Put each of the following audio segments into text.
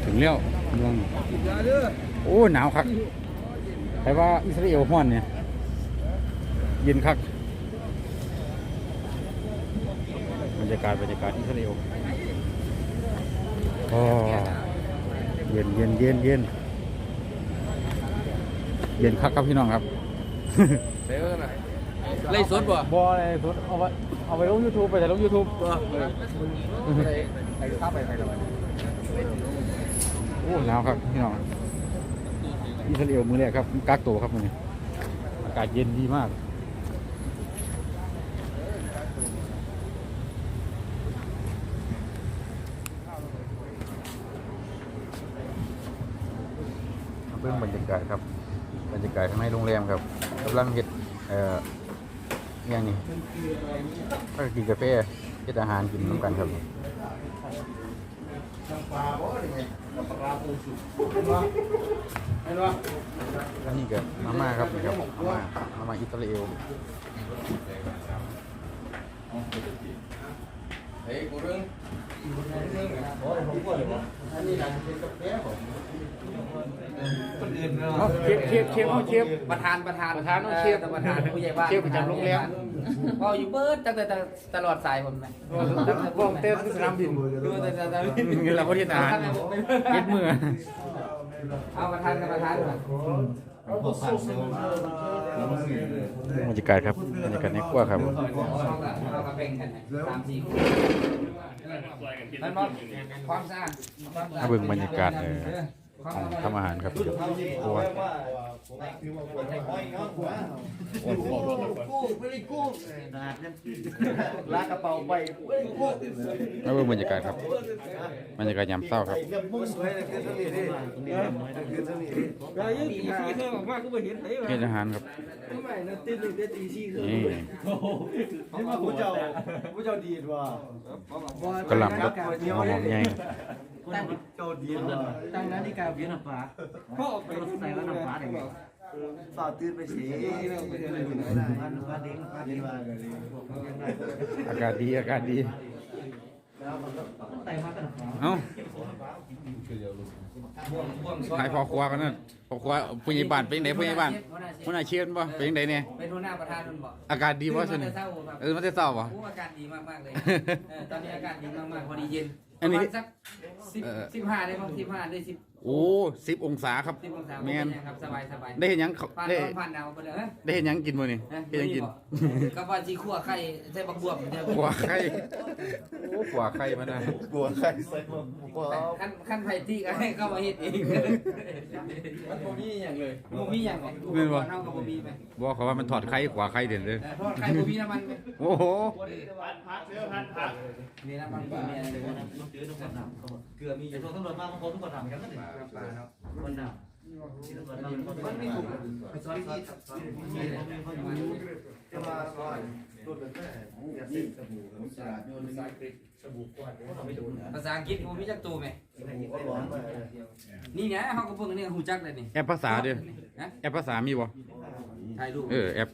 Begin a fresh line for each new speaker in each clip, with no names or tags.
ถึงแล้วเมืองโอ้หนาวคักใครว่าอิสราเอลฮ้อนเนี่ยเย็นคักบรรยากาศอิสราเอลโอ้เย็นคักครับพี่น้องครับ
ไล่สดบ่
บ่อะไรสดเอาไปลง YouTube ไปแต่ลง YouTube
ไอ้ข้าไปแล้ว
โอ้หนาวครับพี่น้องอิสราเอลมือแรกครับกักตัวครับมื้อนี้อากาศเย็นดีมากเบื้องบรรยากาศครับบรรยากาศข้างในโรงแรมครับกำลังเฮ็ดอย่างนี้ก็กินกาแฟเฮ็ดอาหารกินน้ำกันครับอันนี้ก็มาม่าครับนี่ครับมาม่าอิสราเอล
เฮ้ยกูเรื่องคนอื่นเนาะ
เชฟ
ประธาน
เชฟ
ผู้ใหญ่บ้าน
เชฟประจำโรงแรม
พออยู่เบิร์ดตั้งแต่ตลอดสายผมไหม
วงเต้นสนามบินเงินเราก็ที่อาหารเย็ดมือ
เอาประธานก่อน
บรรยากาศครับบรรยากาศในครัวครับ
เราก็เป็นกัน3-4มันความสะอาด
ถ้าเบิ่งบรรยากาศของทำอาหารครับครัว
ลากกระเป๋าไป
ถ้าเบิ่งบรรยากาศครับบรรยากาศยามเช้าครับเฮ็ดอาหารครับนี่
ผู้เจ้าดีดว่ะ
กระหล่ำครับหอมใหญ่
เจ้าดีดว่ะ
ตั้งนาฬิกาเวียนน้ำฟ้าพ่อออกไปรถใส่แล้วน้ำฟ้าได้
ฝ่าตื่นไปสิ
อากาศดีเอ้าขายพอครัวกันนั่นพอครัวผู้ใหญ่บ้านเป็นยังไงผู้ใหญ่บ้านผู้น่าเชื่อป่ะเป็นยังไงเนี่ย
เป็นหัวหน้าประธานบ่
อากาศดีป่ะช่วงนี้มันจะเศร้าป่ะ
อากาศดีมากเลยตอนนี้อากาศดีมากพอดีเย็น
อันนี้
สัก15ได้มั้ง15ได้10
โอ้10 องศาครับ
แม่นครับสบาย
ได้เห็นยัง
ผ่านดาวไปเลย
ได้เห็นยังกินมื้อนี่เห็นยังกิน
กับว่าสิคั่วไข่ใส่บักบวบ
ขัวไข่โอ้ขัวไข่มานะ
ขัวไข่ใส่หมด
ขั้นไผ่ที่ก็ให้เข้ามาเฮ็ดเองมันบ่มีหยังเลยบ่มีหยังแม่นบ่เฮาก็บ่มีแม่
บอกเขาว่ามันถอดไข่ขัวไข่เด่นเลย
ทอดไข่บ่มีน้ำมัน
โอ้โห
พัก
มีน้ำมันมีอะไรเลยนะ
เกลือมีอยู่ทุกตำรวจมาบางคนทุกคนทำกันนั่นเอง
คนน่ะมันไม่ถูกไปสอนที่
จะมาก่อนตัวเป็นแม่อย่าสิสบู่
ภาษาอังกฤษบ่มีจักตัวแม่นี่นะเฮาก็เพิ่งนี่ฮู้จักเลยนี่
แอปภาษาเด้อแอปภาษามีบ่
ถ่ายรูป
แอป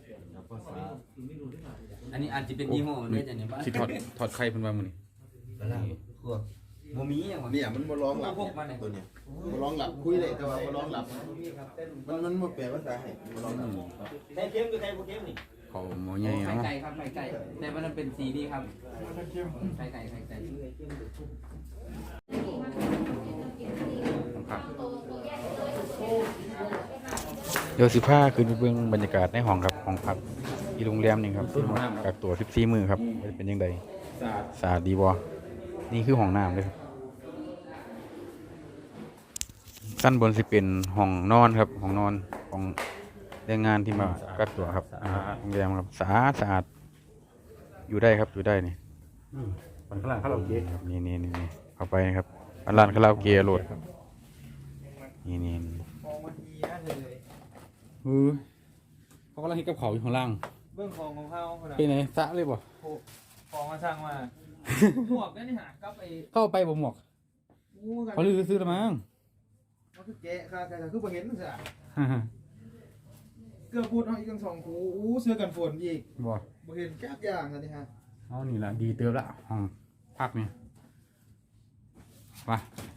อันนี้อาจจะเป็นยี่ห้อเด้จังนี่
สิถอดไข่เพิ่นว่ามื้อนี้
บ่มีหยังวะ
เนี่ยมันบ่ร้องหลับตัวเนี้ยบ่ร้องหลับคุยได้แต่ว่าบ่ร้องหลับมันบ่แปลภาษาให้บ่ร้องหลับ
ใครเข้มคือใครบ่เข้มนี่
เขาหมูใหญ่เนาะ
ไก่ครับไก่แต่มันเป็นสีนี้ครับไก่
เดี๋ยว15คืนไปเบิ่งบรรยากาศในห้องครับห้องพักที่โรงแรมนี่ครับกักตัว14มื้อครับเป็นจังได๋สะอาดดีบ่นี่คือห้องน้ำเลยครับชั้นบนสิเป็นห้องนอนครับห้องนอนของแรงงานที่มากักตัวครับโรงแรมครับสะอาดอยู่ได้ครับอยู่ได้นี่มันข้างล่างคาราโอเกะครับนี่เข้าไปนะครับร้านคาราโอเกะโหลดครับนี่เขากำลังเฮ็ดกับเขาอยู่ข้างล่าง
เบื้องของเขา
เป็นไงสะเลยบ่
ของมาสร้างมาหมวกนั่นนี่หา
เข้าไปบ่หมวกเขาลือซื้อแล้วมั้ง
มันคือแกะค่ะคือบ่เห็นมันซะเกือบพูดเอาอีก2คู่เสื้อกันฝนอีกบ่เห็นจักอย่างซะนี่ฮะ
นี่ล่ะดีเติบละห้องพักนี่ว่า